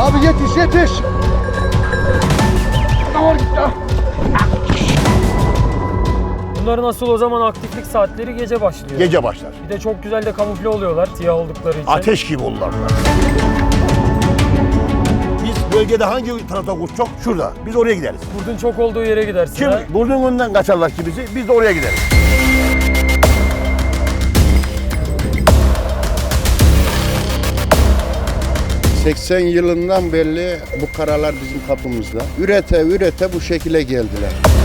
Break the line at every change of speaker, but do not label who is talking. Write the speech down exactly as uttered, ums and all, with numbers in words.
Abi yetiş yetiş. Var gitti.
Bunların asıl o zaman aktiflik saatleri gece başlıyor.
Gece başlar.
Bir de çok güzel de kamufle oluyorlar siyah oldukları için.
Ateş gibi olurlar. Biz bölgede hangi tarafta kuş çok? Şurada. Biz oraya gideriz.
Kurdun çok olduğu yere gidersin.
Kim
ha?
burnun önünden kaçarlar ki bizi, biz de oraya gideriz.
seksen yılından beri bu karalar bizim kapımızda. Ürete ürete bu şekilde geldiler.